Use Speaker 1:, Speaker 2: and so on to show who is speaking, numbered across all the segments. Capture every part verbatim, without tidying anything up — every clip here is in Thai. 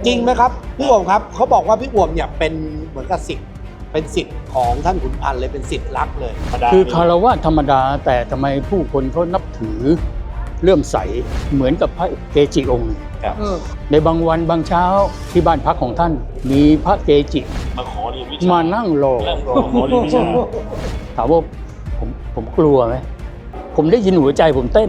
Speaker 1: จริงไหมครับพี่อ่วมครับเขาบอกว่าพี่อ่วมเนี่ยเป็นเหมือนกับศิษย์เป็นศิษย์ของท่านขุนพันธ์เลยเป็นศิษย์รักเลย
Speaker 2: คือคารวะธรรมดาแต่ทำไมผู้คนเขานับถือเลื่อมใสเหมือนกับพระเกจิองค์ในบางวันบางเช้าที่บ้านพักของท่านมีพระเกจิ
Speaker 3: มาขอเรียนวิชา
Speaker 2: มานั่งรอ
Speaker 3: ขอเรียนวิชา
Speaker 2: ถามว่าผมผมกลัวไหมผมได้ยินหัวใจผมเต้น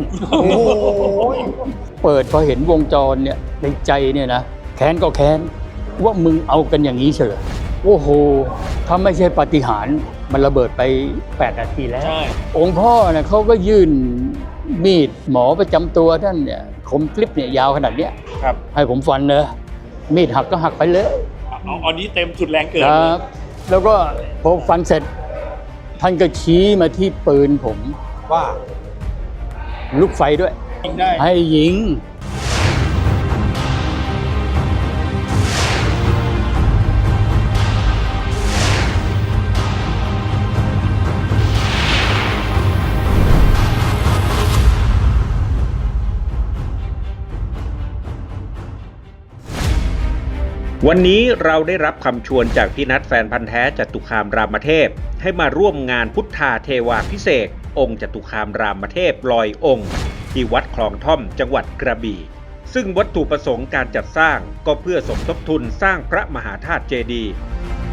Speaker 2: เปิดพอเห็นวงจรเนี่ยในใจเนี่ยนะแค้นก็แค้นว่ามึงเอากันอย่างนี้เฉยโอ้โหถ้าไม่ใช่ปาฏิหาริย์มันระเบิดไปแปดนาทีแล้วองค์พ่อเนี่ยเขาก็ยื่นมีดหมอประจำตัวท่านเนี่ยคมคลิปเนี่ยยาวขนาดเนี้ย
Speaker 3: ครับ
Speaker 2: ให้ผมฟันเลยมีดหักก็หักไปเลย
Speaker 3: เอาอันนี้เต็มสุดแรงเกิน
Speaker 2: ครับแล้วก็พอฟันเสร็จท่านก็ชี้มาที่ปืนผม
Speaker 1: ว่า
Speaker 2: ลูกไฟด้วย
Speaker 3: ยิงได้
Speaker 2: ให้ยิง
Speaker 4: วันนี้เราได้รับคำชวนจากพี่นัทแฟนพันธ์แท้จตุคามรามเทพให้มาร่วมงานพุทธาเทวาภิเษกองค์จตุคามรามเทพลอยองค์ที่วัดคลองท่อมจังหวัดกระบี่ซึ่งวัตถุประสงค์การจัดสร้างก็เพื่อสมทบทุนสร้างพระมหาธาตุเจดีย์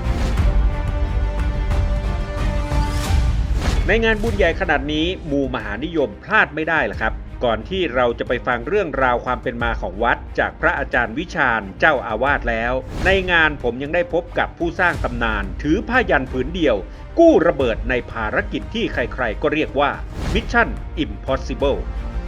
Speaker 4: ในงานบุญใหญ่ขนาดนี้หมู่มหานิยมพลาดไม่ได้ล่ะครับก่อนที่เราจะไปฟังเรื่องราวความเป็นมาของวัดจากพระอาจารย์วิชาญเจ้าอาวาสแล้วในงานผมยังได้พบกับผู้สร้างตำนานถือผ้ายันผืนเดียวกู้ระเบิดในภารกิจที่ใครๆก็เรียกว่า Mission Impossible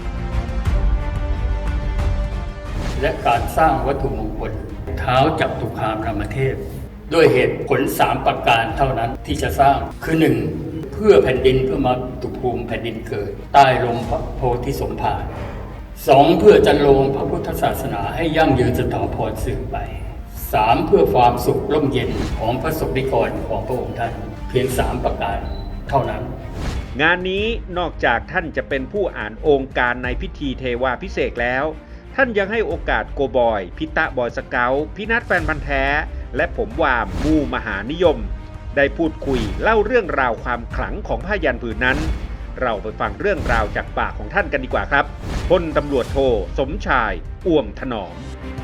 Speaker 2: และการสร้างวัตถุมงคลเท้าจัตุคามรามเทพด้วยเหตุผลสามประการเท่านั้นที่จะสร้างคือหนึ่งเพื่อแผ่นดินเพื่อมาตุภูมิแผ่นดินเกิดใต้ลมพระโพธิสมภารสองเพื่อจันโลงพระพุทธศาสนาให้ยั่งยืนสถาพรสืบไปสามเพื่อความสุขร่มเย็นของพระสงฆ์นิกรของพระองค์ท่านเพียงสามประการเท่านั้น
Speaker 4: งานนี้นอกจากท่านจะเป็นผู้อ่านองค์การในพิธีเทวาภิเษกแล้วท่านยังให้โอกาสโกบอยพิตะบอยสเกลพี่นัทแฟนพันธ์แท้และผมวามมูมหานิยมได้พูดคุยเล่าเรื่องราวความขลังของผ้ายันผืนนั้นเราไปฟังเรื่องราวจากปากของท่านกันดีกว่าครับพลตำรวจโทสมชายอ่วมถนอม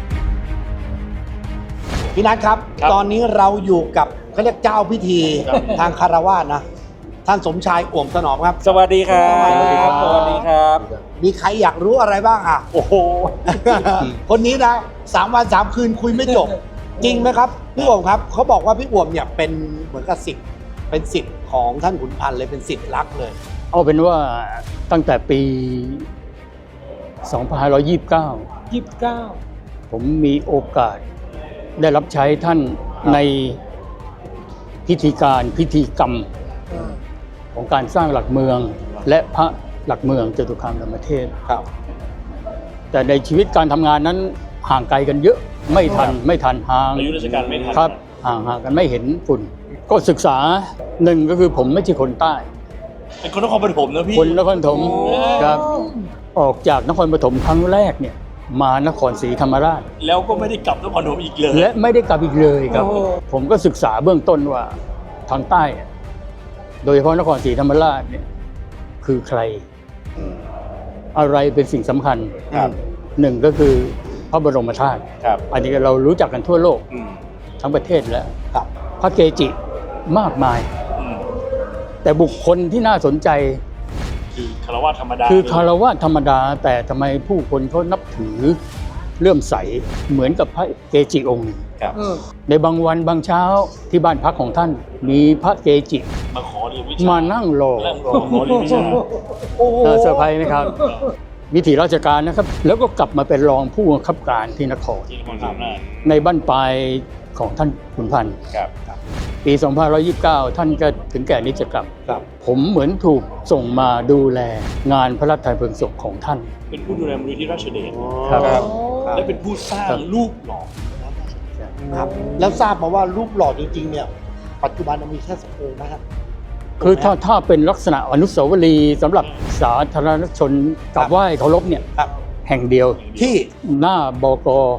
Speaker 1: พี่นัทครับตอนนี้เราอยู่กับเขาเรียกเจ้าพิธีทางคารวะนะท่านสมชายอ่วมถนอมครับ
Speaker 3: สวัสดีครับสวัสดีครับสวัสดีครับ
Speaker 1: มีใครอยากรู้อะไรบ้างอ่ะ
Speaker 3: โอ้โห
Speaker 1: คนนี้นะสามวันสามคืนคุยไม่จบจริงไหมครับพี่อ่วมครับเขาบอกว่าพี่อ่วมเนี่ยเป็นเหมือนกับศิษย์เป็นศิษย์ของท่านขุนพันธ์เลยเป็นศิษย์รักเลย
Speaker 2: เอาเป็นว่าตั้งแต่ปีสองพันห้าร้อยยี่สิบเก้า
Speaker 1: ยี่สิบเก้า
Speaker 2: ผมมีโอกาสได้รับใช้ท่านในพิธีการพิธีกรรมของการสร้างหลักเมืองและพระหลักเมืองจตุคามรามเทพ
Speaker 1: ครับ
Speaker 2: แต่ในชีวิตการทำงานนั้นห่างไกลกันเยอะไม่ทันไม่ทันห่าง
Speaker 3: อายุราชการไม่ทัน
Speaker 2: ครับห่างห่างกันไม่เห็นฝุ่นก็ศึกษาหนึ่งก็คือผมไม่ใช่คนใต้
Speaker 3: เป็นคนนครปฐมนะพี่
Speaker 2: คนนครปฐมครับออกจากนครปฐมครั้งแรกเนี่ยมานครศรีธรรมราช
Speaker 3: แล้วก็ไม่ได้กลับนครปฐมอีกเลย
Speaker 2: และไม่ได้กลับอีกเลยครับผมก็ศึกษาเบื้องต้นว่าทางใต้โดยเฉพาะนครศรีธรรมราชเนี่ยคือใครอะไรเป็นสิ่งสำคัญหนึ่งก็คือพระบรมธาตุอันนี้เรารู้จักกันทั่วโลกทั้งประเทศแล้วพระเกจิมากมายแต่บุคคลที่น่าสนใจ
Speaker 3: คือคารวะธรรมดา
Speaker 2: คือคารวะธรรมดาแต่ทำไมผู้คนเขานับถือเลื่อมใสเหมือนกับพระเกจิองค์ในบางวันบางเช้าที่บ้านพักของท่านมีพระเกจิ
Speaker 3: มาขอเรียนวิชา
Speaker 2: มานั่งรอ
Speaker 3: ขอเรียนวิชา
Speaker 2: เซอร์ไพรส์ไหมครับวิถีราชการนะครับแล้วก็กลับมาเป็นรองผู้บังคับการที่นครในบ้านปลายของท่านขุนพันธ์ปีสองพันห้าร้อยยี่สิบเก้าท่านก็ถึงแก่นิจกรรมผมเหมือนถูกส่งมาดูแลงานพระราชทานเพลิงศพของท่าน
Speaker 3: เป็นผู้ดูแลมูลนิธิราชเดช
Speaker 2: ครับ
Speaker 3: และเป็นผู้สร้างรูปหล่อ
Speaker 1: ครับแล้วทราบมาว่ารูปหล่อจริงๆเนี่ยปัจจุบันมีแค่สักองค์นะครับ
Speaker 2: คือถ้าถ้าเป็นลักษณะอนุสาวรีย์สำหรับสาธารณชนกราบไหว้เคารพเนี่ยแห่งเดียวที่หน้าบก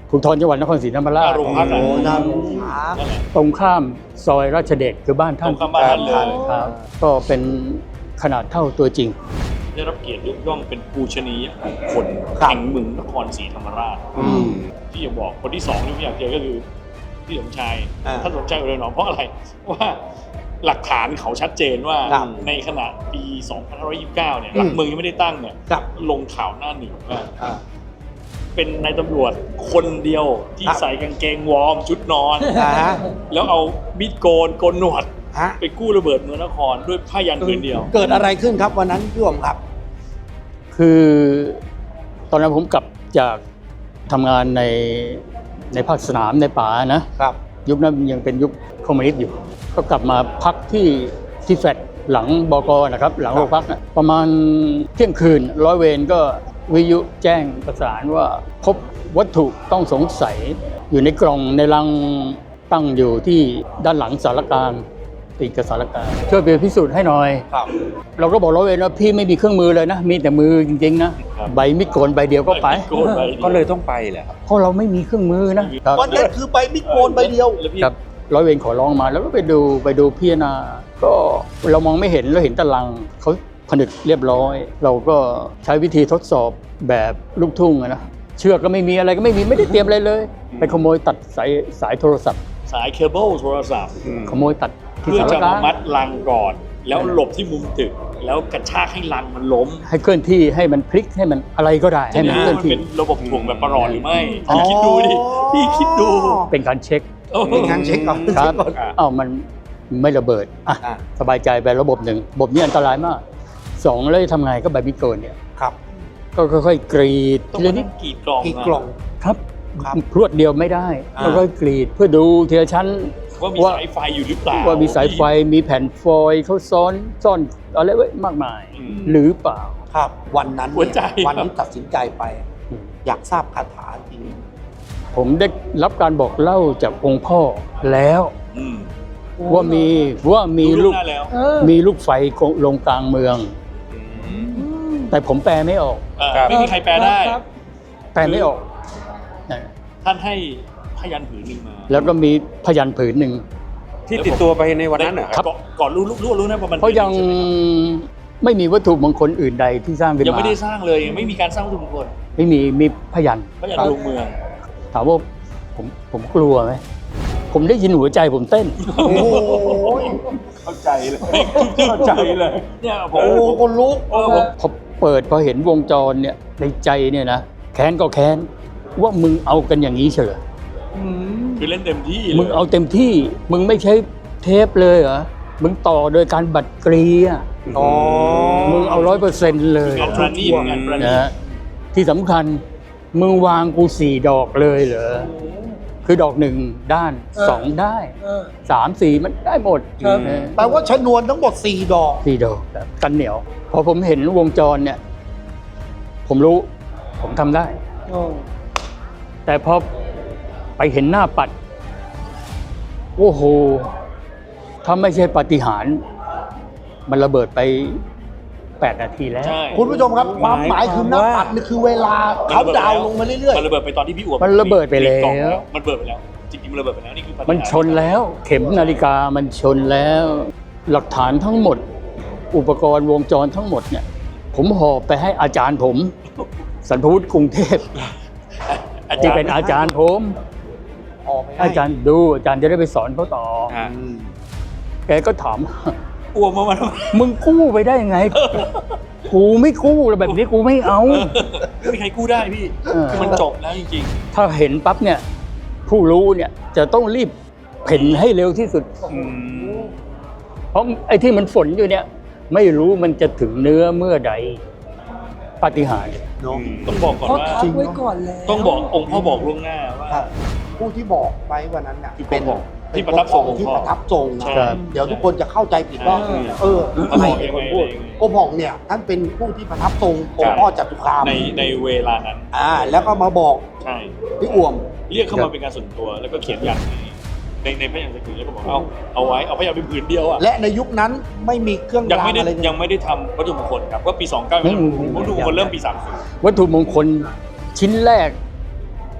Speaker 5: ภูธรจังหวัดนครศรีธรรมราช
Speaker 3: โรงพัก
Speaker 1: โอ้
Speaker 3: อะ
Speaker 1: นั่น
Speaker 3: นั่นแหละ
Speaker 5: ตรงข้ามซอยราชเดชคือบ้าน
Speaker 3: ตร
Speaker 5: ท่าน
Speaker 3: งข้ามบ้านท่านเลย
Speaker 5: ครับก็เป็นขนาดเท่าตัวจริง
Speaker 3: ได้รับเกียรติยกย่องเป็นปูชนียบุคคล
Speaker 1: ครับ
Speaker 3: แห่งเมืองนครศรีธรรมราช
Speaker 1: อืม
Speaker 3: ที่อยากบอกคนที่สองที่ผมอยากเจอก็คือพี่สมชาย
Speaker 1: อ่า
Speaker 3: ท่านสมชายอุไรหนอมเพราะอะไรว่าหลักฐานเขาชัดเจนว่า
Speaker 1: ครับ
Speaker 3: ในขณะปี สองพันห้าร้อยยี่สิบเก้า เนี่ย
Speaker 1: อืม
Speaker 3: หลักเมืองยังไม่ได้ตั้งเนี่ย
Speaker 1: ครับ
Speaker 3: ลงข่าวหน้าหนึ่งว่า
Speaker 1: อ่า
Speaker 3: เป็นนายตำรวจคนเดียวที่
Speaker 1: ครับ
Speaker 3: ใส่กางเกงวอร์มชุดนอน
Speaker 1: อ่าฮะ
Speaker 3: แล้วเอามีดโกนโกนหนวด
Speaker 1: ฮะ
Speaker 3: ไปกู้ระเบิดเมืองนครด้วยผ้ายันผืนเดียว
Speaker 1: เกิดอะไรขึ้นครับวันนั้นพี่อ๋อมครับ
Speaker 5: คือตอนนั้นผมกลับจากทำงานในในภาคสนามในป่านะครับ ยุคนั้นยังเป็นยุคคอมมิวนิสต์อยู่ ก็กลับมาพักที่ที่แฟลตหลังบกนะครับ หลังโรงพักนะประมาณเที่ยงคืนร้อยเวรก็วิทยุแจ้งประสานว่าพบวัตถุต้องสงสัยอยู่ในกล่องในลังตั้งอยู่ที่ด้านหลังสารกลางติดกับสารกลางช่วยไปพิสูจน์ให้หน่อย
Speaker 1: ครับ
Speaker 5: เราก็บอกร้อยเวรว่าพี่ไม่มีเครื่องมือเลยนะ มีแต่มือจริงๆนะครับ ใบมิดโกนใบเดียวก็ไป
Speaker 3: โกนใบเดียว
Speaker 6: ก็เลยต้องไปแหละครับ
Speaker 5: เพราะเราไม่มีเครื่องมือนะครับ
Speaker 1: วันนั้นคือใบมิดโกนใบเดียว
Speaker 3: แล้วพี่
Speaker 5: ครับร้อยเวรขอร้องมาแล้วก็ไปดูไปดูพิจารณาก็เรามองไม่เห็นเราเห็นตะลังเขาผนึกเรียบร้อย เราก็ใช้วิธีทดสอบแบบลูกทุ่งอะนะเชือกก็ไม่มีอะไรก็ไม่มีไม่ได้เตรียมอะไรเลย ไปขโมยตัดสายสายโทรศัพท์
Speaker 3: สายเคเบิลโทรศัพท์
Speaker 5: ขโมยตัดที่
Speaker 3: เพื่อ
Speaker 5: สาร
Speaker 3: จะ
Speaker 5: ก
Speaker 3: มา
Speaker 5: ลาง
Speaker 3: มัดลังก่อน แล้วหลบที่มุมตึก แล้วกระชากให้ลังมันล้ม
Speaker 5: ให้เคลื่อนที่ให้มันพลิกให้มันอะไรก็ได้ให้มันเคลื่อน
Speaker 3: มัน
Speaker 5: ที่
Speaker 3: เป็นระบบถ่วงแบบประหลอดหรือไม่
Speaker 1: อ๋อ
Speaker 3: พี่คิดดูดิพี่คิดดู
Speaker 5: เป็นการเช็ค
Speaker 1: เป็นการเช็คก่อน
Speaker 5: ครับ
Speaker 1: เช็ก่อน
Speaker 5: อ้าวมันไม่ระเบิดอ่ะ
Speaker 1: อ่ะ
Speaker 5: สบายใจไประบบหนึ่งระบบนี้อันตรายมากสองแล้วจะทำไงก็ใบมิดโกนเนี่ย
Speaker 1: ครับ
Speaker 5: ก็ค่อยๆกรีด
Speaker 3: ต้อง
Speaker 5: ที
Speaker 3: มา
Speaker 5: ละนิ
Speaker 3: นั่
Speaker 5: ด
Speaker 3: งกรีดกล่อง
Speaker 1: กี่
Speaker 3: อะ
Speaker 1: กล่อง
Speaker 5: ครับ
Speaker 1: ครับ
Speaker 5: พรวดเดียวไม่ได้
Speaker 1: อ่า
Speaker 5: แล้วก็กรีดเพื่อดูทีละชั้น
Speaker 3: ว่ามี
Speaker 5: ว่า
Speaker 3: สายไฟอยู่หรือเปล่า
Speaker 5: ว่ามีสายไฟมีแผ่นฟอยล์เขาซ้อนซ่อนอะไรไว้มากมาย
Speaker 3: อืม
Speaker 5: หรือเปล่า
Speaker 1: ครับ วันนั้น
Speaker 3: หัวใจ
Speaker 1: เนี่ยวันที่ตัดสินใจไป อยากทราบคาถาจริง
Speaker 5: ผมได้รับการบอกเล่าจากองค์พ่อแล้ว
Speaker 3: อืม
Speaker 5: ว่ามีว่ามีลูก
Speaker 3: รู้หน้าแล้ว
Speaker 5: มีลูกไฟลงกลางเมือง แต่ผมแปลไม่ออก
Speaker 3: เออ
Speaker 6: ครับ
Speaker 3: ไม่มีใครแปลได้
Speaker 5: แปลไม่ออกนะ
Speaker 3: ท่านให้พยันผืนหนึ่งมา
Speaker 5: แล้วก็มีพยัญชนะผืนหนึ่ง
Speaker 6: ที่ติดตัวไปในวันนั้นเหรอครับ
Speaker 3: ก่อนก่อนรู้รู้รู้รู้นะว่ามัน
Speaker 5: เพราะยัง
Speaker 3: ใช่ไหม
Speaker 5: ไม่มีวัตถุมงคลอื่นใดที่สร้างขึ้น
Speaker 3: ยัง
Speaker 5: มา
Speaker 3: ไม่ได้สร้างเลยยังไม่มีการสร้างวัตถุมงคล
Speaker 5: ไม่มีมีพยัญชนะ
Speaker 3: พยันลงเมือง
Speaker 5: ถามว่าผมผมกลัวไหมผมได้ยินหัวใจผมเต้น
Speaker 1: โอ้โห
Speaker 6: เข้าใจเลยเข้าใจเลย
Speaker 3: เนี่ยผ
Speaker 1: โอ้
Speaker 3: ม
Speaker 1: โหคนลุก
Speaker 3: เออผม
Speaker 5: พอเปิดพอเห็นวงจรเนี่ยในใจเนี่ยนะแค้นก็แค้นว่ามึงเอากันอย่างนี้เฉย
Speaker 3: คือเล่นเต็มที่เลย
Speaker 5: มึงเอาเต็มที่มึงไม่ใช้เทปเลยเหรอมึงต่อโดยการบัตรกรีอ่ะ
Speaker 1: อ๋อ
Speaker 5: มึงเอาร้อยเปอร์เซ็นต์เลย
Speaker 3: งานประณีตงานประณี
Speaker 5: นะ
Speaker 3: ต
Speaker 5: ฮะที่สำคัญมึงวางกูสี่ดอกเลยเหรอคือดอกหนึ่งด้านสองได้สามสี่มันได้หมด
Speaker 1: ครับ
Speaker 5: เออ
Speaker 1: แปลว่าชนวนทั้งหมดสี่ดอก
Speaker 5: สี่ดอกครับกันเหนียว พอผมเห็นวงจรเนี่ย ผมรู้ ผมทำได้ แต่พอไปเห็นหน้าปัด โอ้โห ถ้าไม่ใช่ปาฏิหาริย์มันระเบิดไปแปดนาทีแล้ว
Speaker 3: ใช่
Speaker 1: คุณผู้ชมครับความหมายคือหน้าปัดนี่คือเวลาเขาดาวน์ลงมาเรื่อย
Speaker 3: มันระเบิดไปตอนที่พี่อ้วน
Speaker 5: มันระเบิดไปแล้ว
Speaker 3: กล่องมันระเบิดไปแล้ว จริงๆมันระเบิดไปแล้วนี่คือปาฏิหาริย์
Speaker 5: มันชนแล้ว เข็มนาฬิกามันชนแล้ว หลักฐานทั้งหมด อุปกรณ์วงจรทั้งหมดเนี่ย ผมหอบไปให้อาจารย์ผม สันพวุฒิกรุงเทพ
Speaker 3: อา
Speaker 5: ที่
Speaker 3: จารย์
Speaker 5: เป็นอาจารย์ผม
Speaker 1: ๆออกไปให้
Speaker 5: อาจารย์ดูอาจารย์จะได้ไปสอนเขาต่อ
Speaker 6: อ่า
Speaker 1: อืม
Speaker 5: แกก็ถาม
Speaker 3: อ้วกมามาทำไม
Speaker 5: มึงกู้ไปได้ยังไง กูไม่กู้แล้วแบบนี้กูไม่เอา
Speaker 3: ไม่มีใครกู้ได้พี่
Speaker 5: เออ
Speaker 3: คือมันจบแล้วจริง
Speaker 5: ถ้าเห็นปั๊บเนี่ย ผู้รู้เนี่ยจะต้องรีบเพ่นให้เร็วที่สุด
Speaker 3: ๆอืม
Speaker 5: เพราะไอ้ที่มันฝนอยู่เนี่ย ไม่รู้มันจะถึงเนื้อเมื่อใดปาฏิหาริย์
Speaker 1: เนาะ
Speaker 3: ต้องบอกก่อน
Speaker 7: เขา
Speaker 3: ว่า
Speaker 7: ทักไว้ก่อนแล้ว
Speaker 3: ต้องบอกองค์พ่อบอกล่วงหน้าว่า
Speaker 1: ครับผู้ที่บอกไว้วันนั้นน่ะ
Speaker 3: คือ
Speaker 1: เป็น
Speaker 3: บอกที่ประทับทรงของ
Speaker 1: ที่
Speaker 3: พ่อ
Speaker 1: ประทับทรงนะ
Speaker 3: ใช่
Speaker 5: ครับ
Speaker 1: เดี๋ยวทุกคนจะเข้าใจผิดว่า
Speaker 3: อืม
Speaker 1: เออ
Speaker 3: เขา
Speaker 1: ใคร
Speaker 3: บอก
Speaker 1: เป็นคน
Speaker 3: ยังไง
Speaker 1: พูด
Speaker 3: ยังไง
Speaker 1: โกผ่องเนี่ยท่านเป็นผู้ที่ประทับทรงองค์พ่อจตุคาม
Speaker 3: ในในเวลานั้น
Speaker 1: อ่าแล้วก็มาบอก
Speaker 3: ใช่
Speaker 1: พี่อ่วม
Speaker 3: เรียกเข้ามาเป็นการส่วนตัวแล้วก็เขียนยันในในพระยันสกุลแล้วก็บอกเอาเอาไว้เอาพระยันเป็นผืนเดียวอ่ะ
Speaker 1: และในยุคนั้นไม่มีเครื่อง
Speaker 3: ยัง
Speaker 1: ราง
Speaker 3: ไม่ได้
Speaker 1: อะไร
Speaker 3: ยังไม่ได้ทำวัตถุมงคลครับว่าปีสองเก้า
Speaker 5: ไม่มี
Speaker 3: วัตถุมงคลเริ่มปีสามสิบ
Speaker 5: วัตถุมงคลชิ้นแรก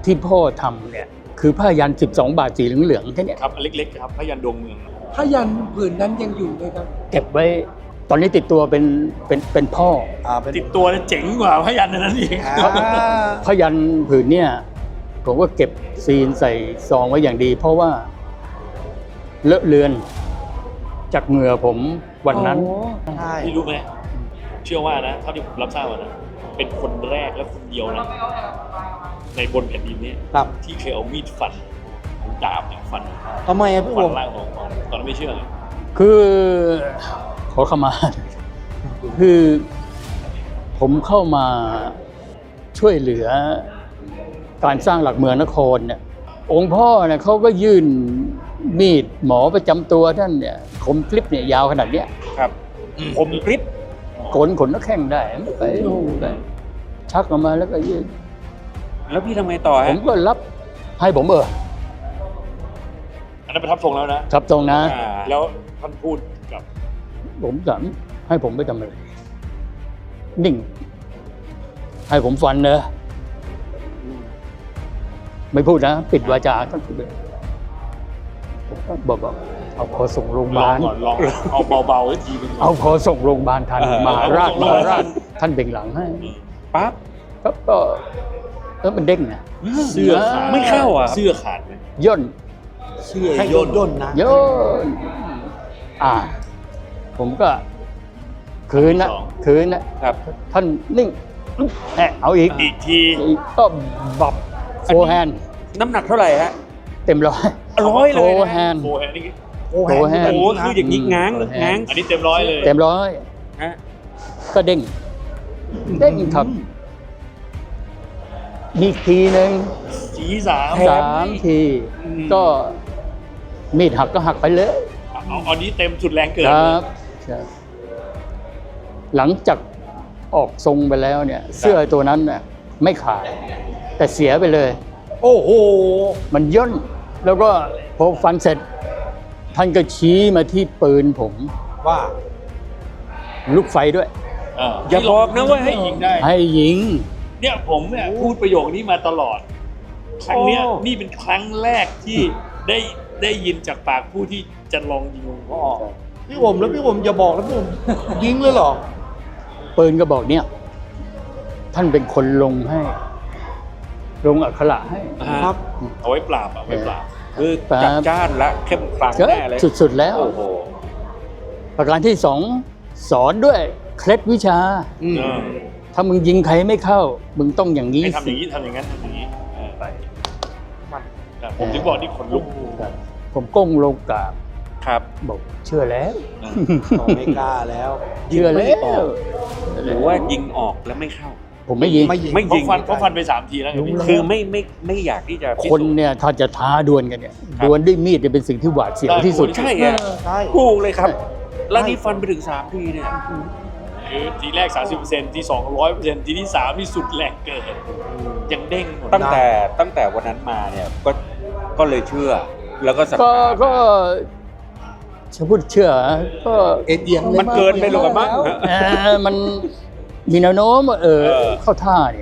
Speaker 5: ที่พ่อทำเนี่ยคือผ้ายันสิบสองบาทสีเหลืองๆแค่เนี้ย
Speaker 3: ครับอันเล็กๆครับพยันดวงเมือง
Speaker 7: ผ้ายันผืนนั้นยังอยู่ไหมครับ
Speaker 5: เก็บไว้ตอนนี้ติดตัวเป็นเป็นเป็นพ่อ
Speaker 1: อ่าเป็น
Speaker 3: ติดตัวเนี่ยเจ๋งกว่าพยันอันนั้นอีก
Speaker 1: อ่า
Speaker 5: ผ้ายันผืนเนี่ยผมก็เก็บซีนใส่ซองไว้อย่างดี เพราะว่าเลอะเลือนจากเหงื่อผมวันนั้น
Speaker 1: ใช่
Speaker 3: พี่รู้ไหมเชื่อว่านะเท่าที่ผมรับทราบมานะเป็นคนแรกและคนเดียวนะในบนแผ่นดินนี้
Speaker 1: ครับ
Speaker 3: ที่เคยเอามีดฟันเอาดาบเนี่ยฟัน
Speaker 1: ทำไมอะพี่
Speaker 3: ฟั
Speaker 1: โอน ม
Speaker 3: ร่างของของตอนนั้นไม่เชื่อเลย
Speaker 5: คือขอเข้ามา คือผมเข้ามาช่วยเหลือการสร้างหลักเมืองนครเนี่ยองค์พ่อเนี่ยเขาก็ยื่นมีดหมอประจำตัวท่านเนี่ยคมคลิปเนี่ยยาวขนาดเนี้ย
Speaker 6: ครับผมคลิป
Speaker 5: โกนขนนักแข้งได้ไปไปชักออกมาแล้วก็ยื่น
Speaker 6: แล้วพี่ทำไงต่อ
Speaker 5: ผ
Speaker 6: ฮะ
Speaker 5: มก็รับให้ผมเออ
Speaker 3: อันนั้นประทับทรงแล้วนะครับ
Speaker 5: ตรงนะ
Speaker 6: อ่า
Speaker 3: แล้วท่านพูดกับ
Speaker 5: ผมถามให้ผมไปทำอะไรนิ่ง ให้ผมฟันเนอะไม่พูดนะ ปิดวาจาท่านพูดเลยผมก็บอกว่าเอาพอส่งโรงพยา
Speaker 3: ลอบ
Speaker 5: าง ล
Speaker 3: ก่อนลองเอาเบาๆไว้ทีนึง
Speaker 5: เอาพอส่งโรงพยาบาลทัน
Speaker 6: เออ
Speaker 5: มาราช
Speaker 3: เอา
Speaker 5: มา
Speaker 3: ส่งโรงพยาบาล
Speaker 5: ราชท่านเบ่งหลังให้
Speaker 6: ปั๊บ
Speaker 5: ครับก็แล้วมันเด้งนะ
Speaker 3: เสื้อขาด
Speaker 6: ไม่เข้าอ่ะ
Speaker 3: เสื้อขาดไหม
Speaker 5: ย่น
Speaker 1: เชื่อย่นย่นนะ
Speaker 5: ย่นอ่า ผมก็คืนนะคืนนะครับ ท่านนิ่งแอะเอาอีก
Speaker 3: อีกที
Speaker 5: อีกก็บับโฟแฮน
Speaker 6: น้ำหนักเท่าไหร่ฮะ
Speaker 5: เต็มร้อย
Speaker 6: ร้อยเลย
Speaker 5: โฟ
Speaker 6: นะ
Speaker 5: แฮน
Speaker 3: โฟแฮนด์นี่
Speaker 1: โอ้โห
Speaker 5: โอ้โห
Speaker 6: โอ้โหคืออย่างนี้ง้าง
Speaker 5: อืม
Speaker 6: ง้าง
Speaker 3: อันนี้เต็มร้อยเลย
Speaker 5: เต็มร้อย
Speaker 6: ฮะ
Speaker 5: ก็เด้ง เด้งครับ มีทีหนึ่ง
Speaker 3: สีสาม
Speaker 5: สามที ก็มีดหักก็หักไปเลย
Speaker 3: เอาอันนี้เต็มสุดแรงเกิน
Speaker 5: ค
Speaker 3: เล
Speaker 5: รั
Speaker 3: ย
Speaker 5: บใช่หลังจากออกทรงไปแล้วเนี่ย เสื้อตัวนั้นน่ะไม่ขาด แต่เสียไปเลย
Speaker 1: โอ้โห
Speaker 5: มันย่นแล้วก็พอฟันเสร็จ ท่านก็ชี้มาที่ปืนผม
Speaker 1: ว่า
Speaker 5: ลูกไฟด้วย
Speaker 3: เออ
Speaker 6: อย่าบอกนะว่าให้
Speaker 3: ให้ยิงได้
Speaker 5: ให้ยิง
Speaker 3: เนี่ยผมเนี่ยพูดประโยคนี้มาตลอด ครั้งเนี้ย
Speaker 6: โอ้
Speaker 3: นี่เป็นครั้งแรกที่ได้ได้ยินจากปากผู้ที่จะลองยิงหลวงพ่อ
Speaker 1: พี่โอมแล้วพี่โอมอย่าบอกแล้วพี่โอมยิงเลยเหรอ
Speaker 5: ปืนก็บอกเนี่ย ท่านเป็นคนลงให้ ลงอักขระให้
Speaker 1: ครับ
Speaker 3: เอาไว้ปราบอะไว้ปราบ
Speaker 6: คือจัดจ้านและเข้มขลัง
Speaker 5: ก็
Speaker 6: แน่เลย
Speaker 5: สุดๆแล้ว
Speaker 6: โอ้โห
Speaker 5: ประการที่สองสอนด้วยเคล็ดวิชา
Speaker 3: เออ
Speaker 5: ถ้ามึงยิงใครไม่เข้า มึงต้องอย่างนี้
Speaker 3: ให้ทำอ
Speaker 5: สิ
Speaker 3: ย่างนี้ทำอย่างนั้นทำอย่างนี้เออไปแต่ผมถึงบอกนี่ขนลุก
Speaker 5: ครับผมก้มลงกราบ
Speaker 6: ครับ
Speaker 5: บอกเชื่อแล้ว
Speaker 1: ไม่กล้าแล้ว
Speaker 5: เชื่อแล้ว
Speaker 6: หรือว่ายิงออกแล้วไม่เข้า
Speaker 5: ผมไม่ยิง
Speaker 1: ไม่ยิง
Speaker 6: ไม่
Speaker 3: เพ
Speaker 6: ยิ
Speaker 3: ราะ
Speaker 6: ง
Speaker 3: ฟันเพราะฟันไปสามทีแล้วไงพี่
Speaker 6: คือไม่ไม่ไม่อยากที่จะพิ
Speaker 5: คน
Speaker 6: สูจน์
Speaker 5: เนี่ยถ้าจะท้าดวลกันเนี่ย
Speaker 6: ครับ
Speaker 5: ดวลด้วยมีดเนี่ยเป็นสิ่งที่หวาดเสียวที่สุด
Speaker 6: ใช่ไง
Speaker 1: ใช่
Speaker 6: ถูกเลยครับ แล้วนี่ฟันไปถึงสามทีเนี่ย
Speaker 3: คือทีแรก สามสิบเปอร์เซ็นต์ ทีสองร้อยเปอร์เซ็นต์ ทีที่สามนี่สุดแรงเกินยังเด้งหมด
Speaker 6: ตั้งแต่ตั้งแต่วันนั้นมาเนี่ยก็ก็เลยเชื่อ แล้วก็ศรัท
Speaker 5: ก็
Speaker 6: ธา
Speaker 5: ก็จะพูดเชื่อ ก็
Speaker 1: เอ็นเอียงเลย
Speaker 6: มันเกินไปหรือเปล่ามั้ง
Speaker 5: เอ่อมันมีแนวโน้มว่าเออ
Speaker 6: เออ
Speaker 5: เข้าท่าเนี่ย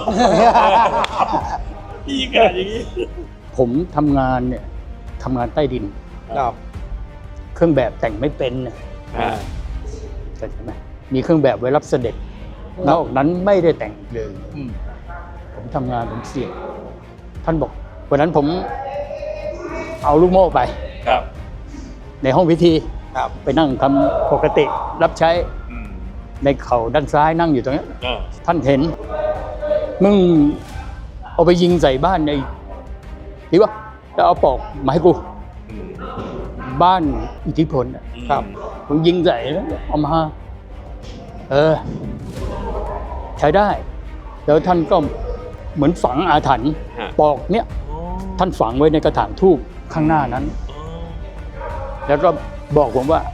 Speaker 3: พี่กันอย่างนี้
Speaker 5: ผมทำงานเนี่ยทำงานใต้ดิน
Speaker 1: ครับ
Speaker 5: เครื่องแบบแต่งไม่เป็นนะ
Speaker 6: อ่า
Speaker 5: เข้าใจไหมมีเครื่องแบบไว้รับเสด็จนอกนั้นไม่ได้แต่งเลย
Speaker 1: อืม
Speaker 5: ผมทำงานผมเสี่ยงท่านบอกวันนั้นผมเอาลูกโม่ไป
Speaker 3: ครับ
Speaker 5: ในห้องพิธี
Speaker 1: ครับ
Speaker 5: ไปนั่งทำปกติรับใช้
Speaker 3: อืม
Speaker 5: ในเข่าด้านซ้ายนั่งอยู่ตรงนี้
Speaker 3: เออ
Speaker 5: ท่านเห็น มึงเอาไปยิงใส่บ้านในดีวะแล้วเอาปอกมาให้กู
Speaker 3: อืม
Speaker 5: บ้านอิทธิพลน่ะ
Speaker 1: ครับ
Speaker 5: มึงยิงใส่แล้วเอามาเออ ใช้ได้ แล้วท่านก็เหมือนฝังอาถรรพ์
Speaker 6: ฮะ
Speaker 5: ปอกเนี้ยท่านฝังไว้ในกระถางทูบข้างหน้านั้น แล้วก็บอกผมว่า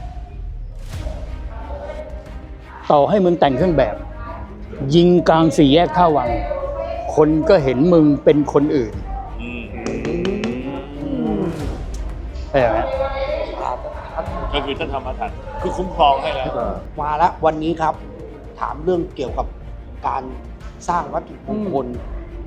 Speaker 5: ต่อให้มึงแต่งเครื่องแบบ ยิงกลางสี่แยกท่าวัง คนก็เห็นมึงเป็นคนอื่น
Speaker 3: อืม
Speaker 5: ใช่ไหม
Speaker 3: ก็คือท่านทำมาทันคือคุ้มครองให้แล้ว
Speaker 1: มาแล้ววันนี้ครับ ถามเรื่องเกี่ยวกับการสร้างวัตถุมงคล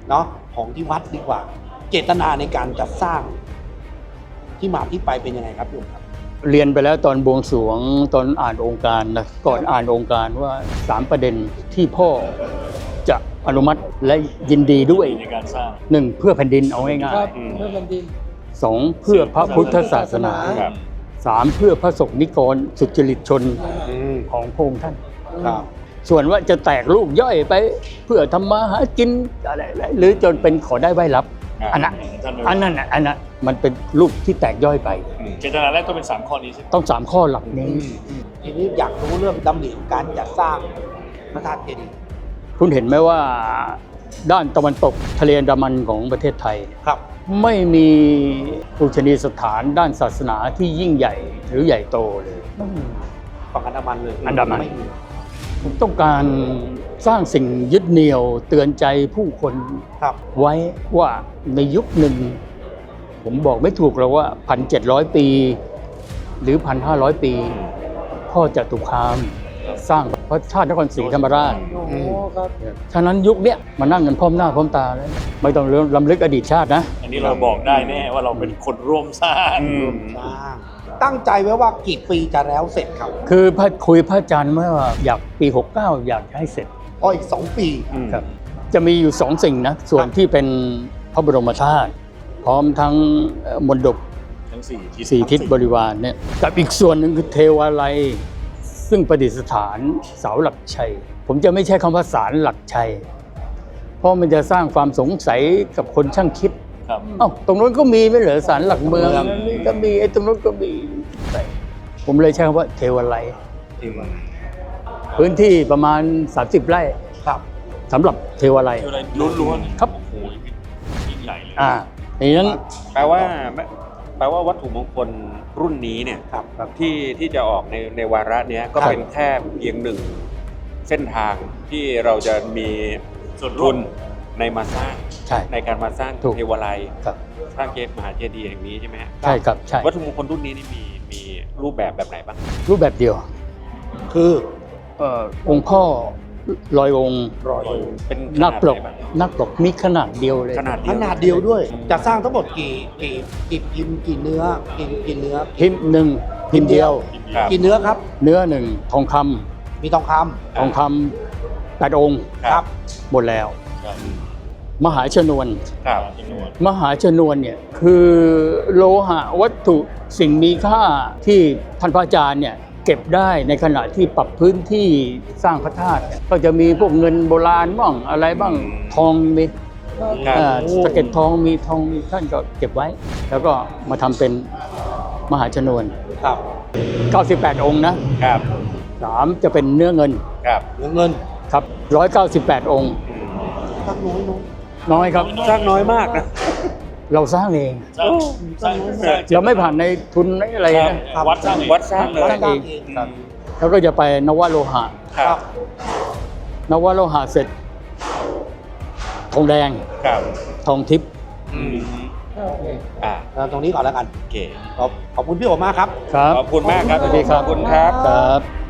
Speaker 1: เนาะของที่วัดดีกว่า เจตนาในการจัดสร้างที่มาที่ไปเป็นยังไงครับโยมครับ
Speaker 5: เรียนไปแล้วตอนบวงสรวงตอนอ่านองค์การนะก่อนอ่านองค์การว่าสามประเด็นที่พ่อจะอนุมัติและยินดีด้วย
Speaker 3: ในการสร้าง
Speaker 5: หนึ่งเพื่อแผ่นดินเอาง่าย
Speaker 7: ครับเพื่อแผ่นดิน
Speaker 5: ๆสองเพื่อพระพุทธศาสนา
Speaker 6: ครับ
Speaker 5: สามเพื่อพระสงฆ์นิกรสุจริตชนของพระองค์ท่าน
Speaker 1: ครับ
Speaker 5: ส่วนว่าจะแตกลูกย่อยไปเพื่อทำมาหากินอะไรๆหรือจนเป็นขอได้ไหวรับ
Speaker 6: อ่า
Speaker 5: อันนั้น
Speaker 3: ท่าน
Speaker 5: อันนั้นน่ะอันนั้นมันเป็นลูกที่แตกย่อยไป
Speaker 3: เจตนาแรกต้องเป็นสามข้อนี้ใช่ไหม
Speaker 5: ต้องสามข้อหลักนี้
Speaker 1: ทีนี้อยากรู้เรื่องดำริของการจัดสร้างพระธาตุเจดีย์
Speaker 5: คุณเห็นไหมว่าด้านตะวันตกทะเลอันดามันของประเทศไทย
Speaker 1: ครับ
Speaker 5: ไม่มีปูชนียสถานด้านศาสนาที่ยิ่งใหญ่หรือใหญ่โตเลย
Speaker 1: ฝั่งอันดามันเลย
Speaker 5: อันดามัน
Speaker 1: ไมี
Speaker 5: ผมต้องการสร้างสิ่งยึดเหนี่ยวเตือนใจผู้คน
Speaker 1: ครับ
Speaker 5: ไว้ว่าในยุคหนึ่ง ผมบอกไม่ถูกแล้วว่าพันเจ็ดร้อยปี หรือพันห้าร้อยปี พ่อจตุคามสร้างพระธาตุนครศรีธรรมราช
Speaker 7: โอ้ครับ
Speaker 5: ฉะนั้นยุคเนี้ยมานั่งกันพร้อมหน้าพร้อมตาแล้วไม่ต้องลำลึกอดีตชาตินะ
Speaker 3: อันนี้เราบอกได้แน่ว่าเราเป็นคนร่วมสร้าง
Speaker 6: อืม
Speaker 1: สร้างตั้งใจไว้ว่ากี่ปีจะแล้วเสร็จครับ
Speaker 5: คือพระคุยพระอาจารย์ว่าอยากปี หกเก้า อยากให้เสร็จ
Speaker 1: อ๋ออีกสองปี
Speaker 5: ครับจะมีอยู่สองสิ่งนะ ส่วนที่เป็นพระบรมธาตุพร้อมทั้งเอ่อมณฑป
Speaker 3: ทั้งสี่ทิศ
Speaker 5: สี่ทิศบริวารเนี่ยกับอีกส่วนหนึ่งคือเทวาลัย ซึ่งประดิษฐานเสาหลักชัย ผมจะไม่ใช้คำว่าศาลหลักชัย เพราะมันจะสร้างความสงสัยกับคนช่างคิด
Speaker 3: ครับ
Speaker 5: เอ้าตรงนู้นก็มีไม่เหรอศาลหลักเมืองนี่ก็มีไอ้ตรงนู้นก็มีผมเลยใช้คำว่าเทวาลัย พื้นที่ประมาณ สามสิบ ไร่
Speaker 1: ครับ
Speaker 5: สำหรับเทวาลัย
Speaker 3: เทวาลัยล้วนๆ
Speaker 5: ครับ
Speaker 3: โอ้โหยิ่งใหญ่เลย
Speaker 5: อ่าดังนั้น
Speaker 6: แปลว่าแปลว่าวัตถุมงคลรุ่นนี้เนี่ย
Speaker 1: ครับครับ
Speaker 6: ที่ที่จะออกในในวาระเนี้ยก็
Speaker 5: ครับ
Speaker 6: เป็นแค่เพียงหนึ่งเส้นทางที่เราจะมี
Speaker 3: ส่วนร่
Speaker 6: ทุ
Speaker 3: วม
Speaker 6: นในมาสร้าง
Speaker 5: ใช่
Speaker 6: ในการมาสร้าง
Speaker 5: ถูก
Speaker 6: เทวาลัย
Speaker 5: ครับ
Speaker 6: สร้างเจดีย์มหาเจดีย์แห่งนี้ใช่ไหมฮะ
Speaker 5: ใช่ครับใช่
Speaker 6: วัตถุมงคลรุ่นนี้นี่มีมีรูปแบบแบบไหนบ้าง
Speaker 5: รูปแบบเดียว
Speaker 1: คือ
Speaker 5: เอ่อองค์พ่อลอยองค์
Speaker 1: รอย
Speaker 6: เป็น
Speaker 5: นักปลก
Speaker 6: ขนาดไหนบ้าง
Speaker 5: นักปลกมีขนาดเดียวเลย
Speaker 6: ขนาดเดี
Speaker 1: ข
Speaker 6: ยว
Speaker 1: นาดเดียวด้วย จะสร้างทั้งหมดกี่กี่กี่พิมพ์กี่เนื้อกี่กี่เนื้อ
Speaker 5: พิมพ์หนึ่งพิมพ์เดียว
Speaker 6: ครับ
Speaker 1: กี่เนื้อครับ
Speaker 5: เนื้อหนึ่งทองคำ
Speaker 1: มีทองค
Speaker 5: ทองคำแปดองค์
Speaker 1: ำครับ
Speaker 5: หมดแล้ว
Speaker 3: ครับ
Speaker 5: มหาชนวน
Speaker 6: ครับ
Speaker 3: จำนวน
Speaker 5: มหาชนวนเนี่ยคือโลหะวัตถุสิ่งมีค่าที่ท่านพระอาจารย์เนี่ยเก็บได้ในขณะที่ปรับพื้นที่สร้างพระธาตุเนี่ยก็จะมีพวกเงินโบราณบ้างอะไรบ้างทองมี
Speaker 6: ครับ
Speaker 5: อ่าสะเก็ดทองมีทองมีท่านก็เก็บไว้ แล้วก็มาทำเป็นมหาชนวน
Speaker 1: ครับ
Speaker 5: เก้าสิบแปด องค์นะครับ สามจะเป็นเนื้อเงิน
Speaker 6: ครับ
Speaker 1: เงินเงิน
Speaker 5: ครับหนึ่งร้อยเก้าสิบแปด องค์
Speaker 1: สักน้อยน้อย
Speaker 5: น้อยครับ
Speaker 6: สร้างน้อยมากนะ
Speaker 5: เราสร้างเอง
Speaker 3: สร้างสร้างสร้าง
Speaker 5: เราไม่ผ่านในทุนอะไร
Speaker 3: ครับ
Speaker 5: นะ
Speaker 3: วัดสร้างเอง
Speaker 6: วัดสร้างเลย
Speaker 5: สร้างเองครับแล้วก็จะไปนวโลหะ
Speaker 6: ครับ
Speaker 5: นวโลหะเสร็จ ทองแดง
Speaker 6: ครับ
Speaker 5: ทองทิพย์
Speaker 6: อืมอ่า
Speaker 1: เอาตรงนี้ก่อนแล้วกัน
Speaker 6: โอเค
Speaker 1: ขอบขอบคุณพี่โอมากครับ
Speaker 5: ครับ
Speaker 6: ขอบคุณมากครับ
Speaker 5: สวัสดีครับ
Speaker 6: ขอบคุณครับ
Speaker 5: ครับ